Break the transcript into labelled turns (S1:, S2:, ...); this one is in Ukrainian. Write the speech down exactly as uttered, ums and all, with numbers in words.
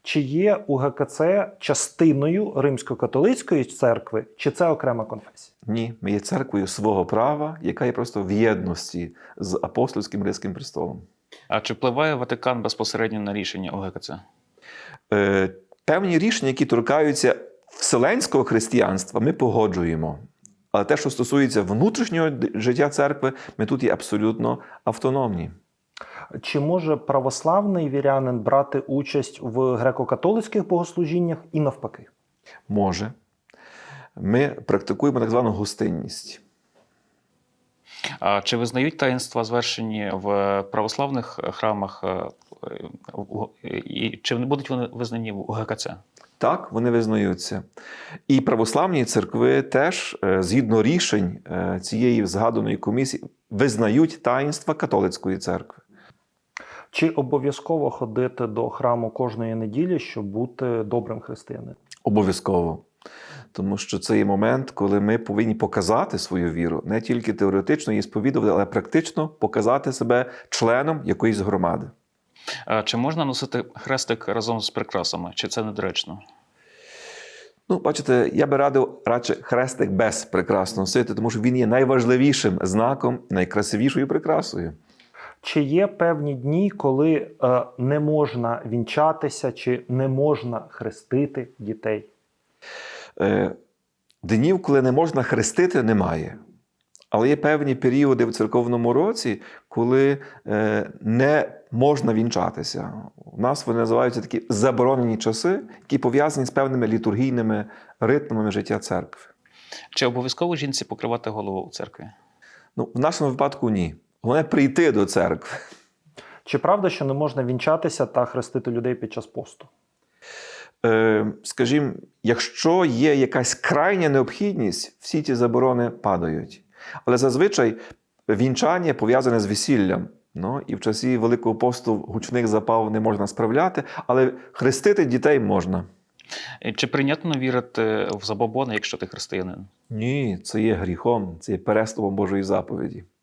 S1: Чи є У Ге Ке Це частиною Римсько-католицької церкви, чи це окрема конфесія?
S2: Ні, ми є церквою свого права, яка є просто в єдності з апостольським Римським престолом.
S3: А чи впливає Ватикан безпосередньо на рішення У Ге Ке Це?
S2: Е, певні рішення, які торкаються вселенського християнства, ми погоджуємо. Але те, що стосується внутрішнього життя церкви, ми тут є абсолютно автономні.
S1: Чи може православний вірянин брати участь в греко-католицьких богослужіннях і навпаки?
S2: Може. Ми практикуємо так звану гостинність.
S3: А чи визнають таїнства, звершені в православних храмах, і чи будуть вони визнані в У Ге Ке Це?
S2: Так, вони визнаються. І православні церкви теж, згідно рішень цієї згаданої комісії, визнають таїнства католицької церкви.
S1: Чи обов'язково ходити до храму кожної неділі, щоб бути добрим християнином?
S2: Обов'язково. Тому що це є момент, коли ми повинні показати свою віру, не тільки теоретично її сповідувати, але практично показати себе членом якоїсь громади.
S3: А чи можна носити хрестик разом з прикрасами? Чи це недоречно?
S2: Ну, бачите, я би радив радше хрестик без прикрас носити, тому що він є найважливішим знаком, найкрасивішою прикрасою.
S1: Чи є певні дні, коли е, не можна вінчатися, чи не можна хрестити дітей?
S2: Е, днів, коли не можна хрестити, немає. Але є певні періоди в церковному році, коли е, не можна вінчатися. У нас вони називаються такі заборонені часи, які пов'язані з певними літургійними ритмами життя церкви.
S3: Чи обов'язково жінці покривати голову у церкві?
S2: Ну, в нашому випадку ні. Головне прийти до церкви.
S1: Чи правда, що не можна вінчатися та хрестити людей під час посту?
S2: Е, скажімо, якщо є якась крайня необхідність, всі ті заборони падають. Але зазвичай вінчання пов'язане з весіллям. Ну, і в часі Великого посту гучних запав не можна справляти, але хрестити дітей можна.
S3: Чи прийнятно вірити в забобони, якщо ти християнин?
S2: Ні, це є гріхом, це є переступом Божої заповіді.